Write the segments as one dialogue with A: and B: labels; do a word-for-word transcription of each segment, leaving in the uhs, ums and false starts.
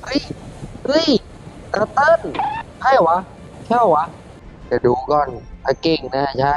A: เฮ้ยเฮ้ยเตอร์เติ้ลใช่เหรอวะใช่เหรอวะเดี๋ยวดูก่อนถ้าเก่งนะใช่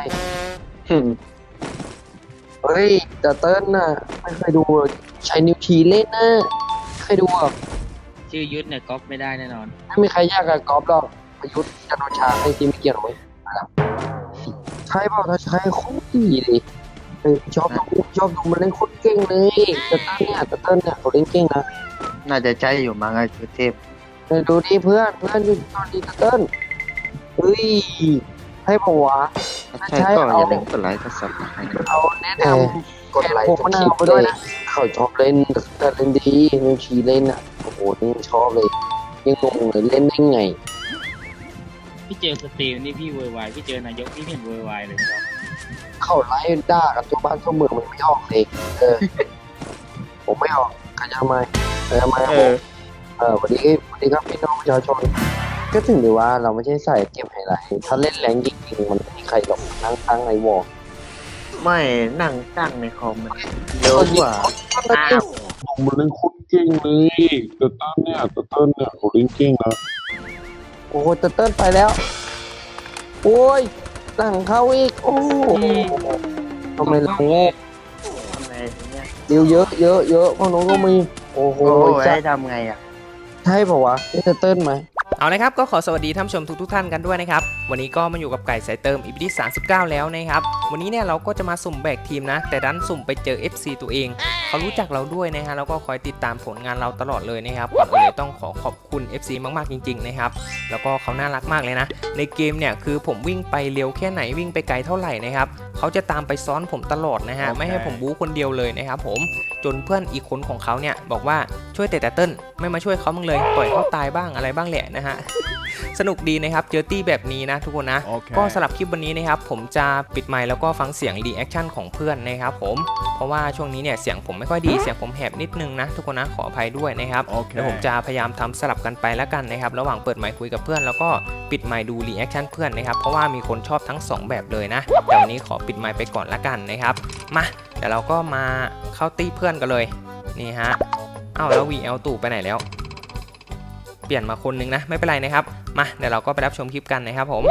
A: เฮ้ยเตอร์เติ้ลน่ะไม่เคยดูใช้นิ้วชี้เล่นนะเคยดูอ่ะ
B: ชื่อยุทธเนี่ยก๊อปไม่ได้แน่นอน
A: ไม่มีใครยากกับกอล์ฟหรอกประยุทธ์จันทร์โอชาไอ้ที่ไม่เกี่ยวหรอกเว้ยใช่เปล่าถ้าใช่โคตรดีเลยเออชอบดูชอบดูมันเล่นโคตรเก่งเลยเตอร์เติ้ลเนี่ยเตอร์เติ้ลเนี่ยเขาเล่นเก่งนะ
C: น่าจะใช่อยู่มั้งไอ้ชุดเทพ
A: เออดูดิเพื่อนเพื่อนดูตอนดีเติ้ลเฮ้ยให้ผมวะ
C: ถ้าใช่ก็อย่าลืมกดไลค์กดซับสไครต์นะ
A: เอาแนะนำกดไลค์กดคลิปไปด้วยนะเขาชอบเล่นแต่เล่นดีนิวชีเล่นอ่ะโอ้โหนี่ชอบเลยยังงงเลยเล่นได้ไง
B: พี่เจอสตรีมนี่พี่โวยวายพี่เจอนายกพี่เห็นโวยวายเลยครับ
A: เขาไล่ด่ากันทั่วบ้านทั่วเมืองมันไม่ออกเลยเออผมไม่ออกขยันไหมขยันไหมครับผมเออวันนี้วันนี้ครับพี่น้องประชาชนก็ถึงได้ว่าเราไม่ใช่สายเก็บไฮไลท์ถ้าเล่นแรงจริงๆมันไม่มีใครหรอกนั่งตั้งไอวอล
C: ไม่นั่งตั้งในคอมมันเยอะกว่า
A: อ้าวมันเล่นโคตรเก่งเลยเตอร์เติ้ลเนี่ยเตอร์เติ้ลเนี่ยเขาเล่นเก่งนะโอ้โหเตอร์เติ้ลไปแล้วโอ้ยหลังเข้าอีกโอ้ทำไมเราโง่
C: ทำไงเนี่ย
A: เดี๋ยวเยอะเยอะเยอะพวกน้องก็มีโอ้โห
C: จะทำไงอ่ะ
A: ใช่ป่าววะเตอร์เติ้ลไหม
D: เอาละครับก็ขอสวัสดีท่านผู้ชมทุกทุกท่านกันด้วยนะครับวันนี้ก็มาอยู่กับไก่สายเติม อี พี ที่สามสิบเก้าแล้วนะครับวันนี้เนี่ยเราก็จะมาสุ่มแบกทีมนะแต่ดันสุ่มไปเจอ เอฟ ซี ตัวเองเขารู้จักเราด้วยนะฮะแล้วก็คอยติดตามผลงานเราตลอดเลยนะครับก่อนอื่นเลยต้องขอขอบคุณ เอฟ ซี มากๆจริงๆนะครับแล้วก็เขาน่ารักมากเลยนะในเกมเนี่ยคือผมวิ่งไปเร็วแค่ไหนวิ่งไปไกลเท่าไหร่นะครับเขาจะตามไปซ้อนผมตลอดนะฮะ okay. ไม่ให้ผมบู๊คนเดียวเลยนะครับผมจนเพื่อนอีกคนของเขาเนี่ยบอกว่าช่วยแต่แต่เติ้ลไม่มาช่วยเขาบ้างเลยปล่อยเขาตายบ้างอะไรบ้างแหละนะฮะสนุกดีนะครับเจอตี้แบบนี้นะทุกคนนะ okay. ก็สำหรับคลิปวันนี้นะครับผมจะปิดไมค์แล้วก็ฟังเสียงรีแอคชั่นของเพื่อนนะครับผมเพราะว่าช่วงนี้เนี่ยเสียงผมไม่ค่อยดีเสียงผมแหบนิดนึงนะทุกคนนะขออภัยด้วยนะครับ okay. เดี๋ยวผมจะพยายามทำสลับกันไปแล้วกันนะครับระหว่างเปิดไมค์คุยกับเพื่อนแล้วก็ปิดไมค์ดูรีแอคชั่นเพื่อนนะครับเพราะว่ามีคนชอบทั้งสองแบบเลยนะแต่วันนี้ขอปิดไมค์ไปก่อนละกันนะครับมาเดี๋ยวเราก็มาเข้าตี้เพื่อนกันเลยนี่ฮะอ้าวแล้ว วี แอล ตู่ไปไหนแล้วเปลี่ยนมาคนนึงนะไม่เป็นไรนะครับมาเดี๋ยวเราก็ไปรับชมคลิปกันนะครับผม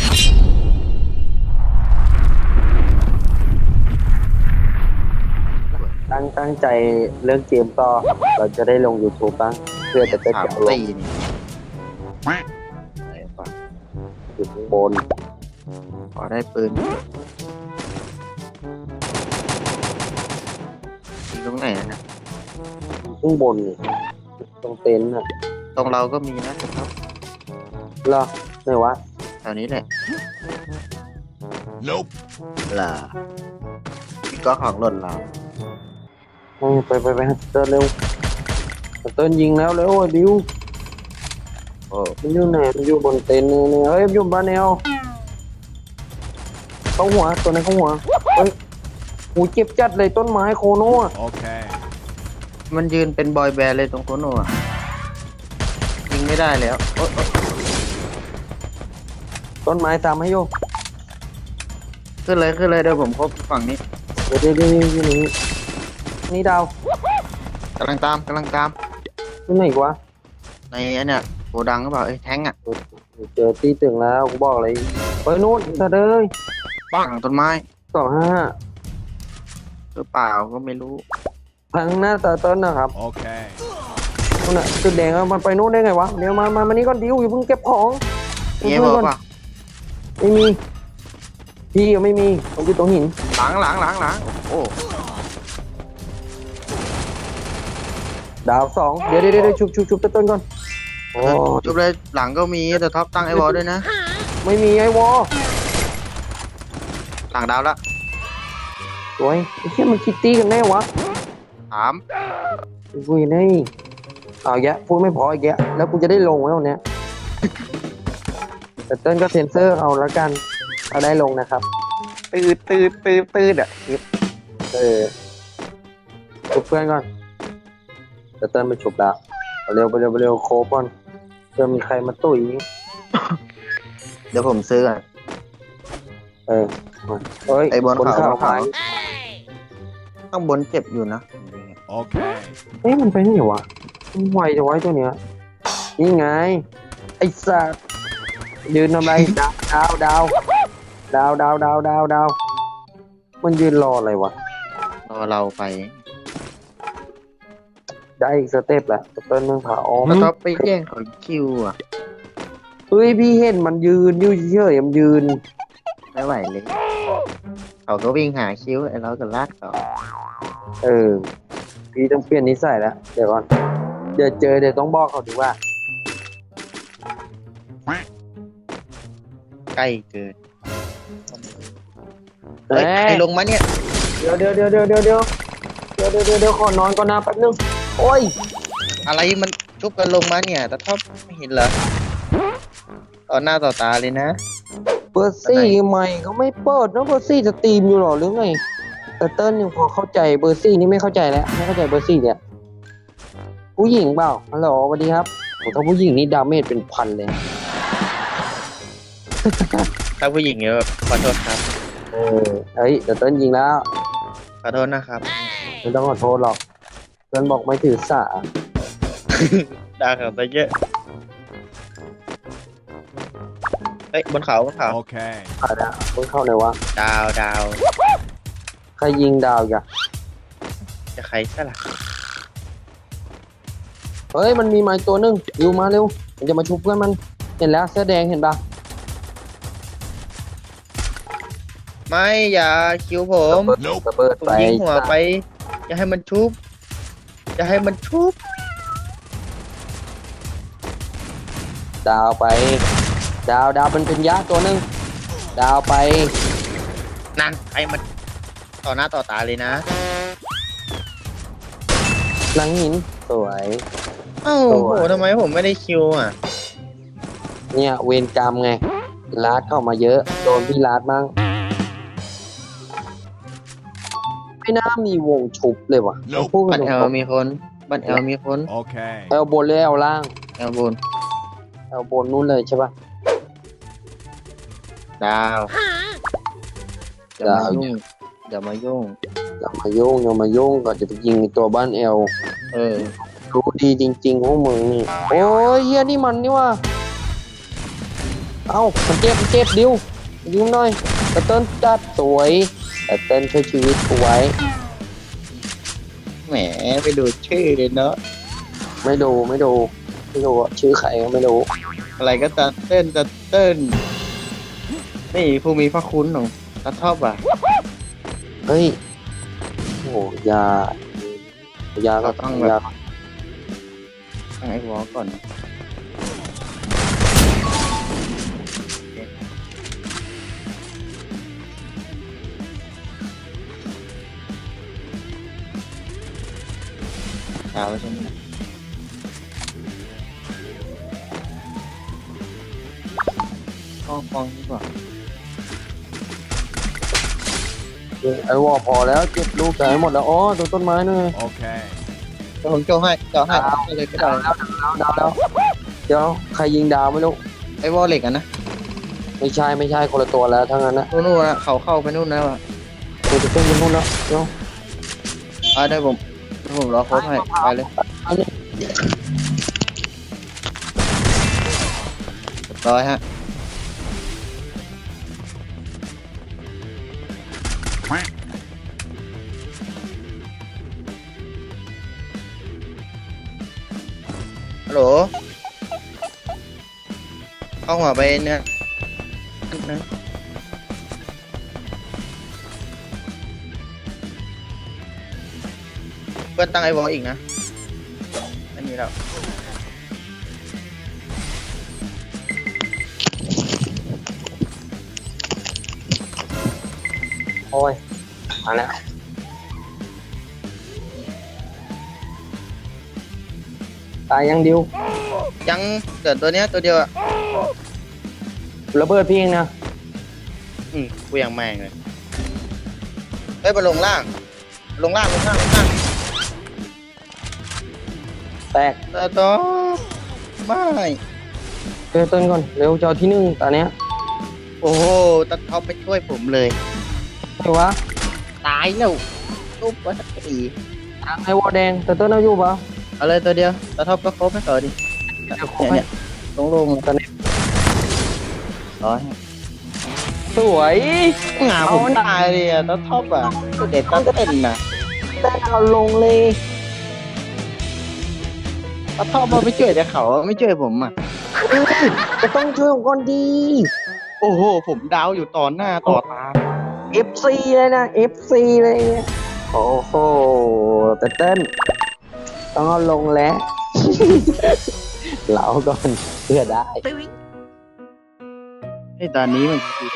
A: ตั้งตั้งใจเรื่องเกมต่อเราจะได้ลง YouTube บ้างเพื่อจะได้เก็บลงอยู่ข้างบน
C: พอได้ปืนตรงไหนนะ
A: ข้างบนนี่ตรงเต็นท์น่ะ
C: ตรงเราก็มีนะครับ
A: เหรอไหนวะ
C: แถวนี้แหละ Nope ล่ะพี่ก็ของหล่นเรา
A: ไปไปไปเติร์นเร็วเติร์นยิงแล้วเร็วดิวโอ้มันอยู่ไหนมันอยู่บนเต็นท์นี่เฮ้ยอยู่บ้านแนวเข้าหัวตัวนั้นเข้าหัวเฮ้ยหูเจ็บจัดเลยต้นไม้โคโน่โอเค
C: มันยืนเป็นบอยแบนด์เลยตรงโคโน่ยิงไม่ได้แล้ว
A: ต้นไม้ตามให้โย
C: ขึ้นเลยขึ้นเลยเดี๋ยวผมครบฝั่งนี้
A: เดี๋ยวเดี๋ยวเดี๋ยวนี่นี่ดาว
C: กำลังตามกำลังตาม
A: ที่ไหนวะ
C: ในเนี่ยโกดังก็บอกไอ้แท้งอ่ะ
A: เจอตีตึงแล้วกูบอกเลยไปนู่นเธอเลย
C: ปังต้นไม้
A: สองห้า
C: หรือเปล่าก็ไม่รู้
A: ทางหน้าตาต้นนะครับโอเคนู่นน่ะจุดแดงมันไปนู่นได้ไงวะเดี๋ยวมามามานี่ก่อนดิวอย่าเพิ่งเก็บของ
C: เงี้ยบอกว่า
A: ไม่มีพี่ยังไม่มีผมอยู่ตรงหิน
C: หลังหลังหลังหลังโอ้
A: ดาวสองเดี๋ยวเดี๋ยวเดี๋ยวชุบชุบชุบต้นก่อน
C: โอ้ชุบเลยหลังก็มีแต่ท็อปตั้งไอวอลด้วยนะ
A: ไม่มีไอวอล
C: หลังดาวละ
A: สวยไอ้เชี่ยมันคิดตีกันแน่วะ
C: ถาม
A: กูยังไงเอาแยะพูดไม่พออีกแยะแล้วกูจะได้ลงแล้วเนี่ยแต่เต้นก็เซ็นเซอร์เอาแล้วกันเอาได้ลงนะครับตืดตืดตืดตืดอ่ะเออชุบเพื่อนก่อนแต่เต้นไปฉุบแล้วเร็วไปเร็วไปเร็วโคบก่อนจะมีใครมาตุ๋ย
C: เดี๋ยวผมซื้ออ่ะ
A: เออเฮ้ย
C: ไอ้บนเขา
A: ขาย
C: ข้างบนเจ็บอยู่นะ
A: โอเคเอ๊ะมันไปไหนวะมันไวจะไว้ตัวเนี้ยนี่ไงไอ้สัตว์ยืนทำไรดาวดาวดาวดาวดาวดาวดาวมันยืนรออะไรวะ
C: รอเราไป
A: ได้อีกสเต็ปแหละสเต็ปมึงผ่าออก
C: แล้วท็อปไปแย่งของคิวอ่ะ
A: เฮ้ยพี่เห็นมันยืนอยู่เฉยๆมันยืน
C: ไม่ไหวเลยเขาก็วิ่งหาคิวไอ้เราก็ลากเขา
A: เออพี่ต้องเปลี่ยนนิสัยแล้วเดี๋ยวก่อนเดี๋ยวเจอเดี๋ยวต้องบอกเขาดีว่า
C: ใกล้เกิน
A: เฮ้
C: เฮ้ยใครลงมาเนี่ย
A: เดี๋ยวเดี๋ยวเดี๋ยวเดี๋ยวเดี๋ยวเดี๋ยวเดี๋ยวเดี๋ยวเดี๋ยวเดี๋ยวขอนอนก่อนนะแป๊บนึงโอ้ย
C: อะไรมันชุบกันลงมาเนี่ยแต่ท็อปไม่เห็นเหรอต่อหน้าต่อตาเลยนะ
A: เบอร์ซี่ใหม่เขาไม่เปิดนะเบอร์ซี่จะตรีมอยู่หรอหรือไงแต่เติ้ลยังพอเข้าใจเบอร์ซี่นี่ไม่เข้าใจแล้วไม่เข้าใจเบอร์ซี่เนี่ยผู้หญิงเปล่าฮัลโหลสวัสดีครับโอ้ถ้าผู้หญิงนี่ดาเมจเป็นพันเลย
C: ถ้าผู้หญิงเนี่ยขอโทษครับ
A: เออเฮ้ยแต่เติ้ลยิงแล้ว
C: ขอโทษนะครับ
A: ไม่ต้องขอโทษหรอกเติ้ลบอกไม่ถือสา
C: ด่าเขาไปเยอะเฮ้ยบนเขาบนเขา
E: Okay.
A: ผ่านอะมึงเข้าไหนวะ
C: ดาวดาว
A: ใครยิงดาวอย่า
C: จะใครซะล่ะ
A: เฮ้ยมันมีไม้ตัวนึงอยู่มาเร็วมันจะมาชุบเพื่อนมันเห็นแล้วเสื้อแดงเห็นปะ
C: ไม่อย่าคิวผม
A: ระเบิด
C: ผม
A: ไป
C: ยิงหัวไปอย่าให้มันชุบอย่าให้มันชุบ
A: ดาวไป ดาวดาวเป็นเป็นยะตัวนึงดาวไป
C: นั่นใครมันต่อหน้าต่อตาเลยนะ
A: หลังหินสวย
C: เอ้า
A: โอ้
C: โห
A: ย
C: ทำไมผมไม่ได้คิวอ่ะ
A: เนี่ยเวรกรรมไงลาดเข้ามาเยอะโดนพี่ลาดมั่งไม่น่ามีวงชุบเลยว่ะ
E: Nope
A: พูดกั
C: บั
A: น
C: น
A: ต
C: แอ
A: ร
C: ล
A: ง
C: มีคนบันแอลมีคน
E: Okay.
A: ๆแอลบนหรือแอลล่าง
C: แอลบน
A: แอลบนนู้นเลยใช่ปะ
C: ดาวอย่า
A: ดาว
C: มายุ่งอย่ามายุ่ง
A: อย่ามายุ่งอย่ามายุ่งก่อนจะไปยิงตัวบ้านแอล
C: เออ
A: รู้ดีจริงๆพวกมึงนี่โอ้ยเฮียนี่มันนี่ว่าเอ้ามันเจ็บมันเจ็บดิวดิวหน่อยแต่เติ้ลจัดสวยแต่เติ้ลช่วยชีวิตกูไว้
C: แหมไปดูชื่อเลยเนาะ
A: ไม่ดูไม่ดูไม่ดูอะชื่อใครก็ไม่รู้
C: อะไรก็จะเต้นจะเต้นนี่ผู้มีพระคุณของตาทอบอ่ะ
A: เฮ้ยโอ้ยา ยาก็
C: เราต้องแบบ
A: ยา
C: ตั้งไอ้วอลก่อนดาวใช่ไหมฟองฟองดีกว่า
A: ไอ้วอพอแล้วเจ็บลูกใจหมดแล้วอ๋อตรงต้นไม้นี่นไง
E: Okay.
C: เดี๋ยวผมโจให้เจาะให้
A: ดาว
C: ให้เลยก็
A: ดา
C: ได้
A: วแล้วดาวแล้วเดี๋ยวใครยิงดาวไม่รู้
C: ไอ้วอลเหล็กอ่ะนะ
A: ไม่ใช่ไม่ใช่คนละตัวแล้วทั้งนั้นนะ
C: นู่นนู่นนะเขาเข้าไปนู่นแล้วอ่ะ
A: กูจะเต้นไปนู่นแล้วเดี๋ยว
C: อ่าได้ผมเดี๋ยวผมรอโค้ชให้ไปเลย
A: อันนี้
C: เรียบร้อยฮะฮัลโหลเข้าหัวไปเนี่ยนะเพื่อนตั้งไอ้วอลอีกนะไม่มีแล้ว
A: โอ้ยมาแล้วตายยังดิว
C: ยังเกิดตัวเนี้ยตัวเดียวอ่ะ
A: ระเบิดพี่เองนะ
C: อืมกูยังแม่งเลยเฮ้ยไปลงล่าง ลงล่างลงล่างลงล่าง
A: แตก
C: แต่ต่อไม่
A: เจอต้นก่อนเร็วเจ้าที่หนึ่งตอนเนี้ย
C: โอ้โหตัดท็อปไปช่วยผมเลย
A: ไอ้วะ
C: ตายแล้วตุ๊บวัดอี
A: ไอ้วอแดงแต่ต้นเอาอยู่ปะ
C: เอาเลยตัวเดียวตัดท็อปก็ครบให้ต่อดิเนี่ยเนี่ยลงลงตอนนี้ร้อย
A: สวย
C: งาผมตายเลยอะตอนท็อปอะเด็ดตอนเต้นน่ะ
A: แต่เอาลงเลย
C: ตอนท็อปมาไม่ช่วยแต่เขาไม่ช่วยผมอะ
A: จะต้องช่วยผมก่อนดี
C: โอ้โหผมดาวอยู่ต่อหน้าต่อตา
A: เอฟ ซี เลยนะ เอฟ ซี เลยเนี่ยโอ้โหแต่เต้นต้องเอาลงแล้ว เหลาก่อนเพื่อได้
C: ไอ้ตอนนี้มันคือ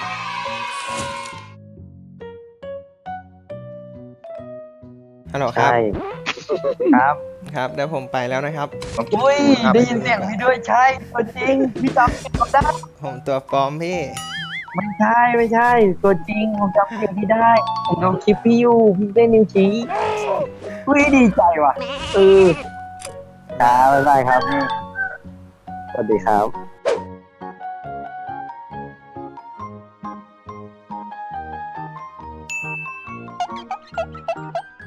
D: ฮัลโหลครับ
A: ใช่ ครับ
D: ครับเดี๋ยวผมไปแล้วนะครับ
A: อุ้ยได้ยินเสียงพี่ด้วยใช่ตัวจริงพี่จำเสียงเขาได้
D: ผมตัวปลอมพี่
A: ไม่ใช่ไม่ใช่ ตัวจริงผมจำเสียงพี่ได้ ผมดูคลิปพี่อยู่พี่เล่นนิ้วชี้อุ้ยดีใจว่ะเออครับบ๊ายบายครับนี่สวัสดีครับ